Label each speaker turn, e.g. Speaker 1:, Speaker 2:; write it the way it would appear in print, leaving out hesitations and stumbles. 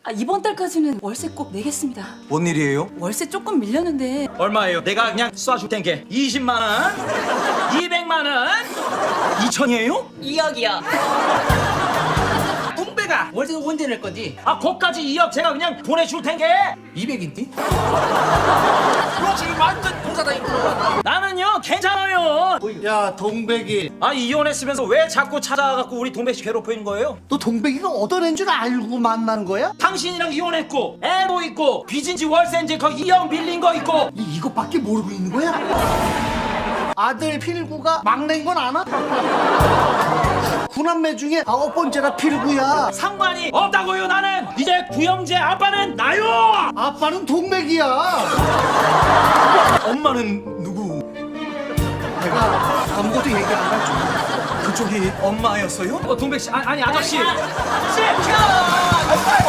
Speaker 1: 이번 달까지는 월세 꼭 내겠습니다.
Speaker 2: 뭔 일이에요?
Speaker 1: 월세 조금 밀렸는데.
Speaker 3: 얼마예요? 내가 그냥 쏴줄 텐게 20만 원, 200만 원,
Speaker 2: 2천이에요?
Speaker 1: 2억이요.
Speaker 4: 동배가 월세 언제 낼 건지.
Speaker 3: 거까지 2억 제가 그냥 보내줄 텐게.
Speaker 4: 200인데? 너 지금 완전 공사다니고.
Speaker 3: 나는요 괜찮아요.
Speaker 5: 야 동백이,
Speaker 3: 이혼했으면서 왜 자꾸 찾아와갖고 우리 동백 씨 괴롭히는 거예요?
Speaker 5: 너 동백이가 어떤 애인 줄 알고 만난 거야?
Speaker 3: 당신이랑 이혼했고 애도 있고 빚인지 월세인지 거 2억 빌린 거 있고.
Speaker 5: 이것밖에 모르고 있는 거야? 아들 필구가 막내인 건 아나? 구남매 중에 9번째가 필구야.
Speaker 3: 상관이 없다고요. 나는 이제 구형제 아빠는 나요.
Speaker 5: 아빠는 동백이야.
Speaker 2: 엄마는 누구?
Speaker 5: 내가 아무것도 얘기 안 할 줄.
Speaker 2: 그쪽이 엄마였어요?
Speaker 3: 동백 씨 아니 아저씨.